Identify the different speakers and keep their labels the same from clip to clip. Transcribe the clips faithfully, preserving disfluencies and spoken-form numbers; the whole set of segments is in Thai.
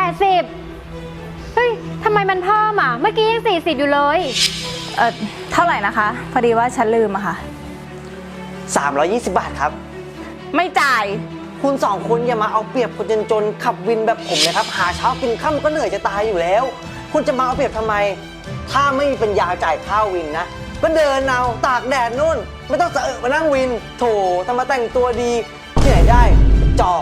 Speaker 1: ดสิบเฮ้ยทำไมมันเพิ่มอ่ะเมื่อกี้ยังสี่สิบอยู่เลย
Speaker 2: เออเท่าไหร่นะคะพอดีว่าฉันลืมอะค่ะ
Speaker 3: สามร้อยยี่สิบบาทครับ
Speaker 2: ไม่จ่าย
Speaker 3: คุณสองคนอย่ามาเอาเปรียบคนจนๆขับวินแบบผมเลยครับหาเช้ากินค่ำก็เหนื่อยจะตายอยู่แล้วคุณจะมาเอาเปรียบทำไมถ้าไม่มีปัญญาจ่ายค่าวินนะก็เดินเอาตากแดดนู่นไม่ต้องเสอะมานั่งวินโถทำมาแต่งตัวดีที่ไหนได้จอก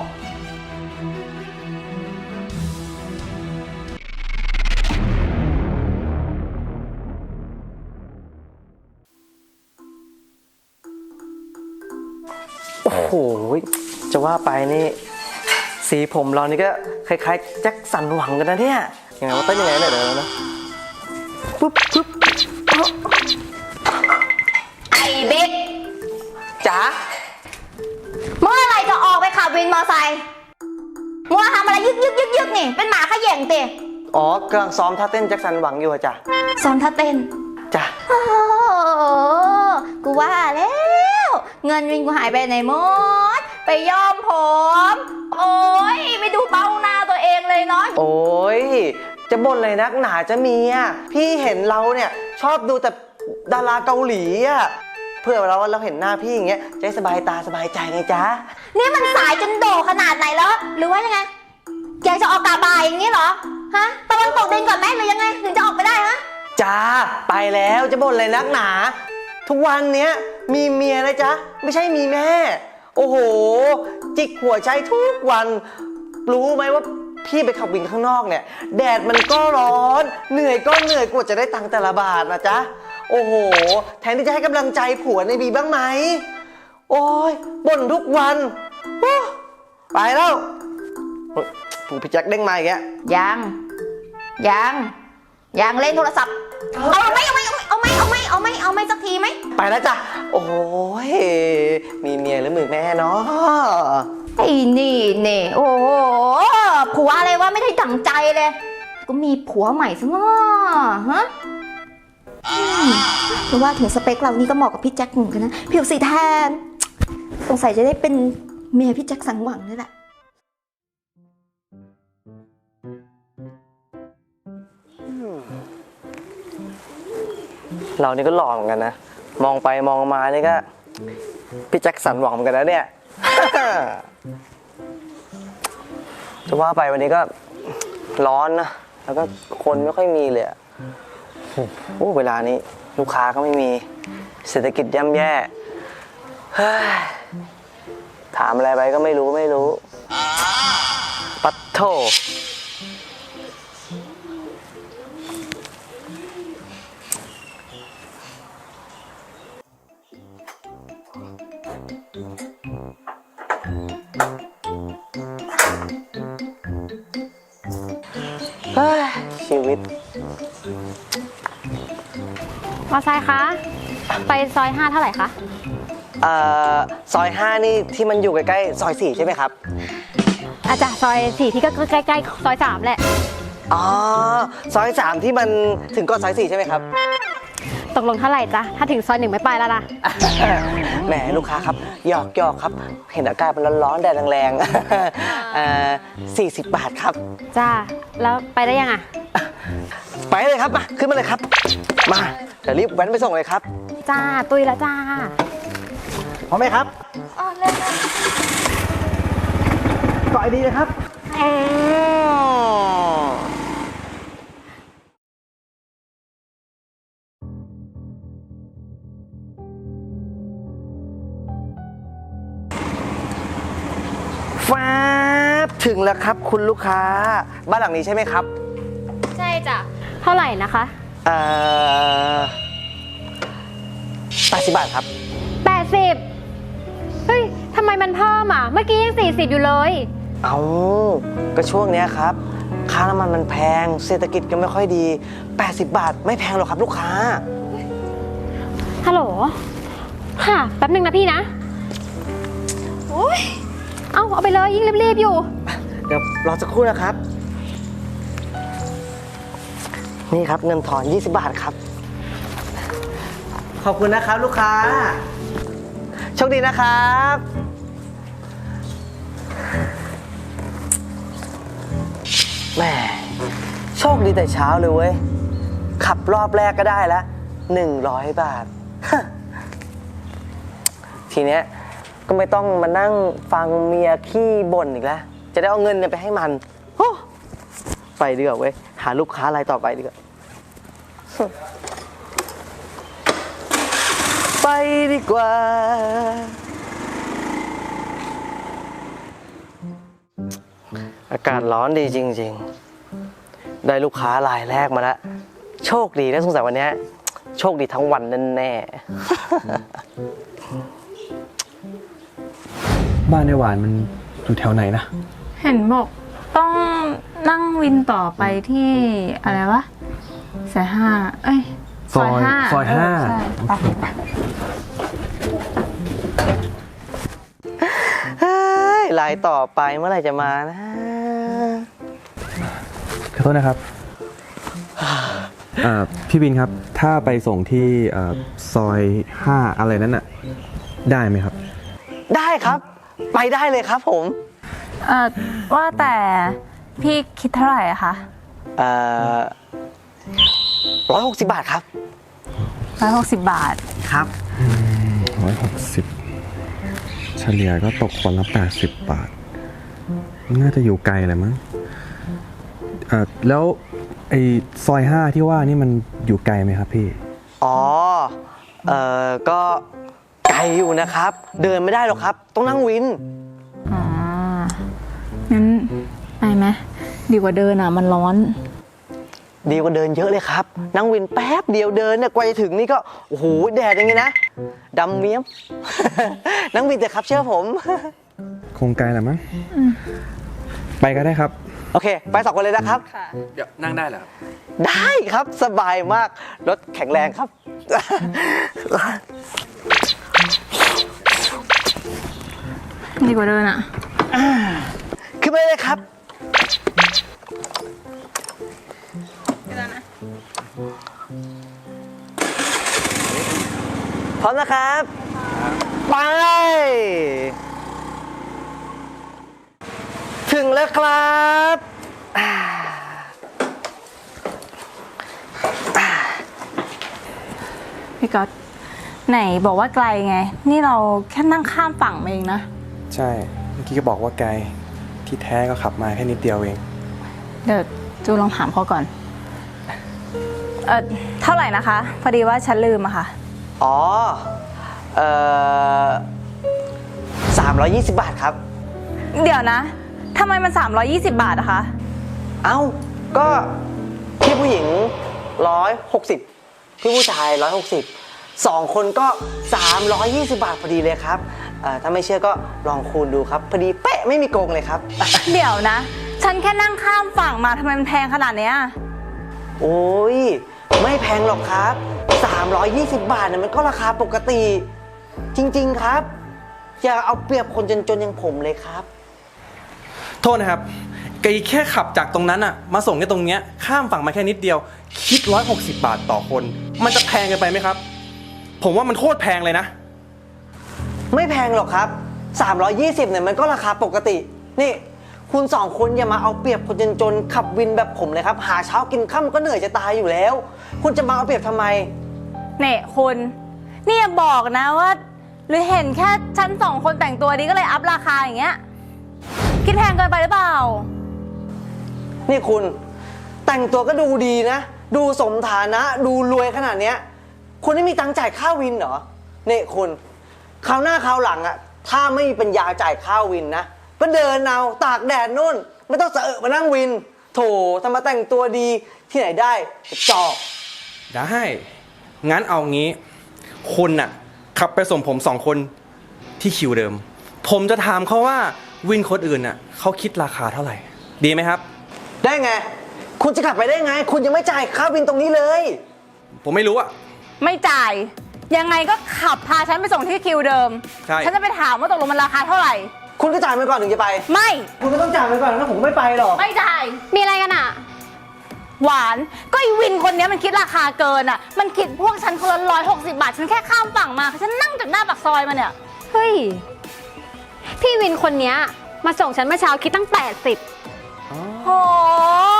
Speaker 3: โอ้โหจะว่าไปนี่สีผมเรานี่ก็คล้ายๆแจ็คสันหวังกันนะเนี่ยยังไงว่าเต้นยังไงเนี่ยเดี๋ยวนะปุ๊บปุ๊บ
Speaker 2: ไอ้บิ๊ก
Speaker 3: จ๋า
Speaker 2: เมื่อไหร่จะออกไปขับวินมอไซค์มัวทำอะไรยึกยึกยึกยึกนี่เป็นหมาขย่งเตะ
Speaker 3: อ๋อกำลังซ้อมท่าเต้นแจ็คสันหวังอยู่อะจ้ะ
Speaker 2: ซ้อมท่าเต้น
Speaker 3: จ้ะ
Speaker 2: โอ้กูว่าแล้วเงินวินกูหายไปไหนหมดไปย้อมผมโอ้ยไม่ดูเบ้าหน้าตัวเองเลยเนาะ
Speaker 3: โอ้ยจะบ่นอะไรนักหนาจะมีอ่ะพี่เห็นเราเนี่ยชอบดูแต่ดาราเกาหลีอ่ะเพื่อเราเราเห็นหน้าพี่อย่างเงี้ยจะได้สบายตาสบายใจไงจ๊ะ
Speaker 2: นี่มันสายจนโดขนาดไหนแล้วหรือว่ายังไงแกจะออกกาบายอย่างนี้เหรอฮะตะวันตกดินก่อนไหมหรือยังไงถึงจะออกไปได้ฮะ
Speaker 3: จ้าไปแล้วจะบ่นอะไรนักหนาทุกวันเนี้ยมีเมียนะจ๊ะไม่ใช่มีแม่โอ้โหจิกหัวใจทุกวันรู้ไหมว่าพี่ไปขับวินข้างนอกเนี่ยแดดมันก็ร้อนเหนื่อยก็เหนื่อยกว่าจะได้ตังค์แต่ละบาทนะจ๊ะโอ้โหแทนที่จะให้กำลังใจผัวในบีบ้างไหมโอ้ยบ่นทุกวันไปแล้วผู้พี่แจ็คเด้งมาอีกแล้ว
Speaker 2: ยังยังยังเล่นโทรศัพท์เอาไหมเอาไหมเอาไหมเอาไหมเอาไหมเอาไหมสักทีไหม
Speaker 3: ไปแล้วจ้ะโอ้ยมีเมียหรือมือแม่เนาะ
Speaker 2: ไอ้นี่นี่โอ้โหผัวอะไรวะไม่ได้ดั่งใจเลยก็มีผัวใหม่ซะง้อฮะเพราะว่าถึงสเปคเรานี่ก็เหมาะกับพี่แจ็คเหมือนกันนะผิวสีแทนสงสัยจะได้เป็นเมียพี่แจ็คสังหวังนี่แหละ
Speaker 3: เรานี่ก็หล่อเหมือนกันนะมองไปมองมานี่ก็พี่แจ็คสันหวังเหมือนกันนะเนี่ย จะว่าไปวันนี้ก็ร้อนนะแล้วก็คนไม่ค่อยมีเลยโอ้เวลานี้ลูกค้าก็ไม่มีเศรษฐกิจย่ำแย่ถามอะไรไปก็ไม่รู้ไม่รู้ปัดโถชีวิต
Speaker 1: มอไซค์คะไปซอยห้าเท่าไหร่คะ
Speaker 3: เอ่อซอยห้านี่ที่มันอยู่ใกล้ๆซอยสี่ใช่ไหมครับ
Speaker 1: อาจารย์ซอยสี่ที่ก็ใกล้ๆซอยสามแหละ
Speaker 3: อ๋อซอยสามที่มันถึงก่อนซอยสี่ใช่ไหมครับ
Speaker 1: ตกลงเท่าไหร่จ๊ะถ้าถึงซอยหนึ่งไม่ไปแล้วนะ
Speaker 3: แหมลูกค้าครับหยอกหยอกครับเห็นอากาศมันร้อนๆแดดแรงๆสี่สิบบาทครับ
Speaker 1: จ้าแล้วไปได้ยังอ่ะ
Speaker 3: ไปเลยครับมาขึ้นมาเลยครับมาเดี๋ยวรีบแว้นไปส่งเลยครับ
Speaker 1: จ้าตุยแล้วจ้า
Speaker 3: พร้อมไหมครับ
Speaker 2: อ๋อเลย
Speaker 3: เกาะดีเลยครับฟ้าถึงแล้วครับคุณลูกค้าบ้านหลังนี้ใช่ไหมครับ
Speaker 1: ใช่จ้ะเท่าไหร่นะคะ
Speaker 3: เอ่อแปดสิบบาทครับ
Speaker 1: แปดสิบเฮ้ยทำไมมันเพิ่มอ่ะเมื่อกี้ยังสี่สิบอยู่เลย
Speaker 3: เอาก็ช่วงเนี้ยครับค่าน้ำมันมันแพงเศรษฐกิจก็ไม่ค่อยดีแปดสิบบาทไม่แพงหรอกครับลูกค้า
Speaker 1: ฮัลโหลค่ะแป๊บนึงนะพี่นะโอ้ยเอาเอาไปเลยยิ่งรีบๆอยู่
Speaker 3: เดี๋ยวรอสักครู่นะครับนี่ครับเงินถอนยี่สิบบาทครับขอบคุณนะครับลูกค้าโชคดีนะครับแหมโชคดีแต่เช้าเลยเว้ย ขับรอบแรกก็ได้แล้วหนึ่งร้อยบาท ทีเนี้ยก็ไม่ต้องมานั่งฟังเมียขี้บ่นอีกแล้ว จะได้เอาเงินเนี่ยไปให้มันโอ้ไปดีกว่าเว้ย หาลูกค้ารายต่อไปดีกว่า ไปดีกว่า อากาศร้อนดีจริงๆ ได้ลูกค้ารายแรกมาแล้ว โชคดีนะสงสัยวันนี้โชคดีทั้งวันแน่ๆ
Speaker 4: บ้านในหวานมันอยู่แถวไหนนะ
Speaker 5: เห็นบอกต้องนั่งวินต่อไปที่อะไรวะสายห้าเอ้ย
Speaker 4: ซอย
Speaker 5: ห้า
Speaker 4: ซอยห้า
Speaker 5: เใช่ไปไป
Speaker 3: เฮ้ยรายต่อไปเมื่อไหร่จะมานะ
Speaker 4: ขอโทษนะครับอ่าพี่บินครับ ถ้าไปส่งที่อ่าซอยห้าอะไรนั้นน่ะ ได้ไหมครับ
Speaker 3: ได้ครับ ไปได้เลยครับผม
Speaker 5: เอ่อว่าแต่พี่คิดเท่าไหร่อะคะ
Speaker 3: เอ่อร้อยหกสิบบาทครับ
Speaker 5: ร้อยหกสิบบาท
Speaker 3: ครับ
Speaker 4: ร้อยหกสิบเฉลี่ยก็ตกคนละแปดสิบบาท น่าจะอยู่ไกลแหละมั้งอ่าแล้วไอ้ซอยห้าที่ว่านี่มันอยู่ไกลไหมครับพี่
Speaker 3: อ๋อ เอ่อ ก็ไกลอยู่นะครับ เดินไม่ได้หรอกครับ ต้องนั่งวิน
Speaker 5: อ๋อ งั้นไปไหมดีกว่าเดินอ่ะ มันร้อน
Speaker 3: ดีกว่าเดินเยอะเลยครับ นั่งวินแป๊บเดียวเดินเนี่ยกว่าจะถึงนี่ก็ โอ้โห แดดอย่างงี้นะดำเมี้ยม นั่งวินเถอะครับเชื่อผม
Speaker 4: คงไกลแหละมั้งไปก็ได้ครับ
Speaker 3: โอเค ไปสองคนเลยนะครับ
Speaker 4: เดี๋ยวนั่งได้เหรอครับ
Speaker 3: ได้ครับสบายมาก รถแข็งแรงครับ
Speaker 5: ดีกว่าเดินอ่ะ
Speaker 3: ขึ้นไปเลยครับพร้อมนะครับ ไป ถึงแล้วครับอ่า
Speaker 5: พี่ก๊อตไหนบอกว่าไกลไง นี่เราแค่นั่งข้ามฝั่งมาเองนะ
Speaker 4: ใช่ เมื่อกี้ก็บอกว่าไกล ที่แท้ก็ขับมาแค่นิดเดียวเอง
Speaker 5: เดี๋ยวจูลองถามเขาก่อน เออเท่าไหร่นะคะ พอดีว่าฉันลืมอะค่ะ
Speaker 3: อ๋อ เอ่อสามร้อยยี่สิบบาทครับ
Speaker 5: เดี๋ยวนะทำไมมันสามร้อยยี่สิบบาทอะคะ
Speaker 3: เอ้า ก็พี่ผู้หญิงร้อยหกสิบพี่ผู้ชายร้อยหกสิบสองคนก็สามร้อยยี่สิบบาทพอดีเลยครับเอ่อถ้าไม่เชื่อก็ลองคูณดูครับ พอดีเป๊ะไม่มีโกงเลยครับ
Speaker 5: เดี๋ยวนะ ฉันแค่นั่งข้ามฝั่งมาทำไมมันแพงขนาดเนี้ย
Speaker 3: โอ้ย ไม่แพงหรอกครับสามร้อยยี่สิบบาทเนี่ยมันก็ราคาปกติ จริงๆครับ อย่าเอาเปรียบคนจนๆอย่างผมเลยครับ
Speaker 6: โทษนะครับไกแค่ขับจากตรงนั้นอะมาส่งแค่ตรงเนี้ยข้ามฝั่งมาแค่นิดเดียว คิดร้อยหกสิบบาทต่อคน มันจะแพงเกินไปไหมครับ ผมว่ามันโคตรแพงเลยนะ
Speaker 3: ไม่แพงหรอกครับสามร้อยยี่สิบเนี่ยมันก็ราคาปกติ นี่ คุณสองคนอย่ามาเอาเปรียบคนจนๆขับวินแบบผมเลยครับ หาเช้ากินค่ำก็เหนื่อยจะตายอยู่แล้ว คุณจะมาเอาเปรียบทำไม
Speaker 5: เนี่ยคุณนี่อย่าบอกนะว่า หรือเห็นแค่ฉันสองคนแต่งตัวดีก็เลยอัพราคาอย่างเงี้ย คิดแพงเกินไปหรือเปล่า
Speaker 3: นี่คุณแต่งตัวก็ดูดีนะ ดูสมฐานะ ดูรวยขนาดเนี้ย คุณไม่มีตังค์จ่ายค่าวินเหรอนี่คุณคราวหน้าคราวหลังอะถ้าไม่มีปัญญาจ่ายค่าวินนะก็เดินเอาตากแดดนู่น ไม่ต้องเสอะมานั่งวิน โถทำมาแต่งตัวดีที่ไหนได้จอก
Speaker 6: ได้ งั้นเอางี้ คุณน่ะขับไปส่งผมสองคนที่คิวเดิม ผมจะถามเขาว่าวินคนอื่นน่ะเขาคิดราคาเท่าไหร่ ดีไหมครับ
Speaker 3: ได้ไง คุณจะขับไปได้ไง คุณยังไม่จ่ายค่าวินตรงนี้เลย
Speaker 6: ผมไม่รู้อะ
Speaker 5: ไม่จ่าย ยังไงก็ขับพาฉันไปส่งที่คิวเดิม
Speaker 6: ใช่
Speaker 5: ฉันจะไปถามว่าตกลงมันราคาเท่าไหร่
Speaker 3: คุณก็จ่ายไปก่อนถึงจะไป
Speaker 5: ไม่
Speaker 3: คุณก็ต้องจ่ายไปก่อนนะผมก็ไม่ไปหรอก
Speaker 5: ไม่จ่าย
Speaker 1: มีอะไรกันอ่ะ
Speaker 5: หวานก็ไอวินคนเนี้ยมันคิดราคาเกินอ่ะ มันคิดพวกฉันคนละร้อยหกสิบบาท ฉันแค่ข้ามฝั่งมา ฉันนั่งจากหน้าปากซอยมาเนี่ย
Speaker 1: เฮ้ย พี่วินคนเนี้ยมาส่งฉันเมื่อเช้าคิดตั้งแปดสิบ
Speaker 5: โห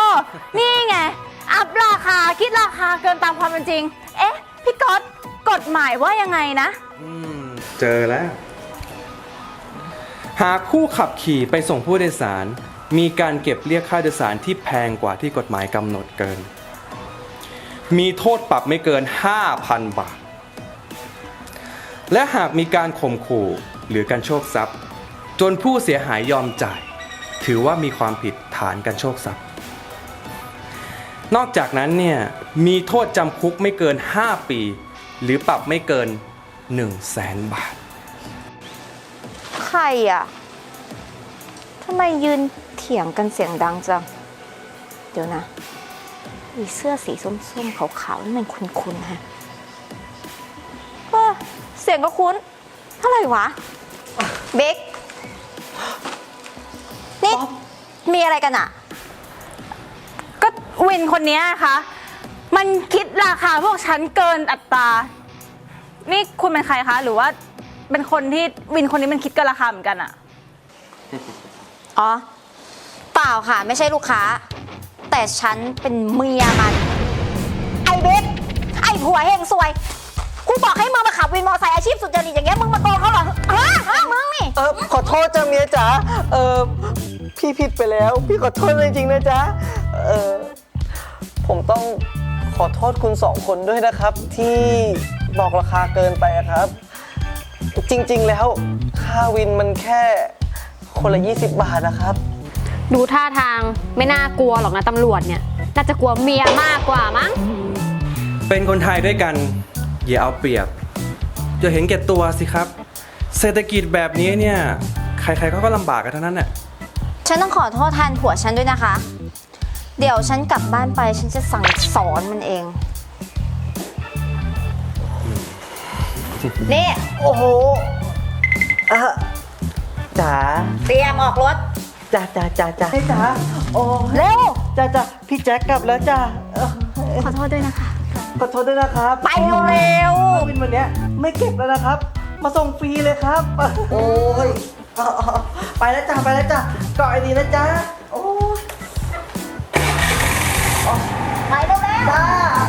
Speaker 5: คิดราคาเกินตามความเป็นจริง เอ๊ะ พี่ก๊อตกฎหมายว่ายังไงนะ
Speaker 6: อืม เจอแล้ว หากผู้ขับขี่ไปส่งผู้โดยสาร มีการเก็บเรียกค่าโดยสารที่แพงกว่าที่กฎหมายกำหนดเกิน มีโทษปรับไม่เกิน ห้าพัน บาท และหากมีการข่มขู่หรือการโชคทรัพย์ จนผู้เสียหายยอมจ่าย ถือว่ามีความผิดฐานการโชคทรัพย์ นอกจากนั้นเนี่ยมีโทษจำคุกไม่เกิน ห้า ปี หรือปรับไม่เกิน หนึ่งแสน บาท
Speaker 2: ใครอ่ะทำไมยืนเถียงกันเสียงดังจัง เดี๋ยวนะอีเสื้อสีส้มๆขาวๆนี่มันคุ้นๆฮะเออเสียงก็คุ้นเท่าไหร่วะเบคนี่มีอะไรกันอ่ะ
Speaker 5: ก็วินคนเนี้ยคะ มันคิดราคาพวกฉันเกินอัตรา นี่คุณเป็นใครคะ หรือว่าเป็นคนที่วินคนนี้มันคิดเกินราคาเหมือนกันอะ
Speaker 2: อ๋อ เปล่าค่ะ ไม่ใช่ลูกค้า แต่ฉันเป็นเมียมัน ไอ้เบคไอ้ผัวเฮงซวยกูบอกให้มึงมาขับวินมอเตอร์ไซค์อาชีพสุจริตอย่างเงี้ยมึงมาโกงเขาเหรอฮะฮะมึงนี่
Speaker 3: เออขอโทษจ้าเมียจ๋าเออพี่ผิดไปแล้ว พี่ขอโทษจริงๆนะจ๊ะเออผมต้องขอโทษคุณสองคนด้วยนะครับ ที่บอกราคาเกินไปอะครับ จริงๆแล้วค่าวินมันแค่คนละยี่สิบบาทนะครับ
Speaker 1: ดูท่าทางไม่น่ากลัวหรอกนะตำรวจเนี่ย น่าจะกลัวเมียมากกว่ามั้ง
Speaker 6: เป็นคนไทยด้วยกัน อย่าเอาเปรียบอย่าเห็นแก่ตัวสิครับ เศรษฐกิจแบบนี้เนี่ยใครๆเขาก็ลำบากกันทั้งนั้นแหละ
Speaker 2: ฉันต้องขอโทษแทนผัวฉันด้วยนะคะ เดี๋ยวฉันกลับบ้านไปฉันจะสั่งสอนมันเอง นี่
Speaker 3: โอ้โหอะจ๋า
Speaker 2: เตรียมออกรถ
Speaker 3: จ้าจ้าจ้าจ้าให้จ๋าโอ้
Speaker 2: เร็ว
Speaker 3: จ้าจ้าพี่แจ็คกลับแล้วจ้าเออ
Speaker 1: ขอโทษด้วยนะคะ
Speaker 3: ขอโทษด้วยนะครับ
Speaker 2: ไปเร็ว
Speaker 3: ค่าวินวันเนี้ยไม่เก็บแล้วนะครับ มาส่งฟรีเลยครับ โอ้ยเอาเอาเอาไปแล้วจ้าไปแล้วจ้าเกาะไอ้ดีนะจ๊ะโอ้ย
Speaker 2: ไปเร็ว
Speaker 3: จ้า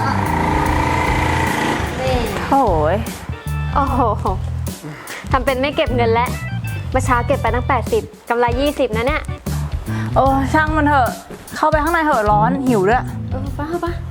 Speaker 1: นี่
Speaker 5: โอ้ย
Speaker 1: โอ้โหทำเป็นไม่เก็บเงินแล้วเมื่อเช้าเก็บไปตั้งแปดสิบกำไรยี่สิบนะเนี่ย
Speaker 5: โอ้ช่างมันเถอะ เข้าไปข้างในเถอะร้อนหิวด้วย
Speaker 1: เออไป้าป้า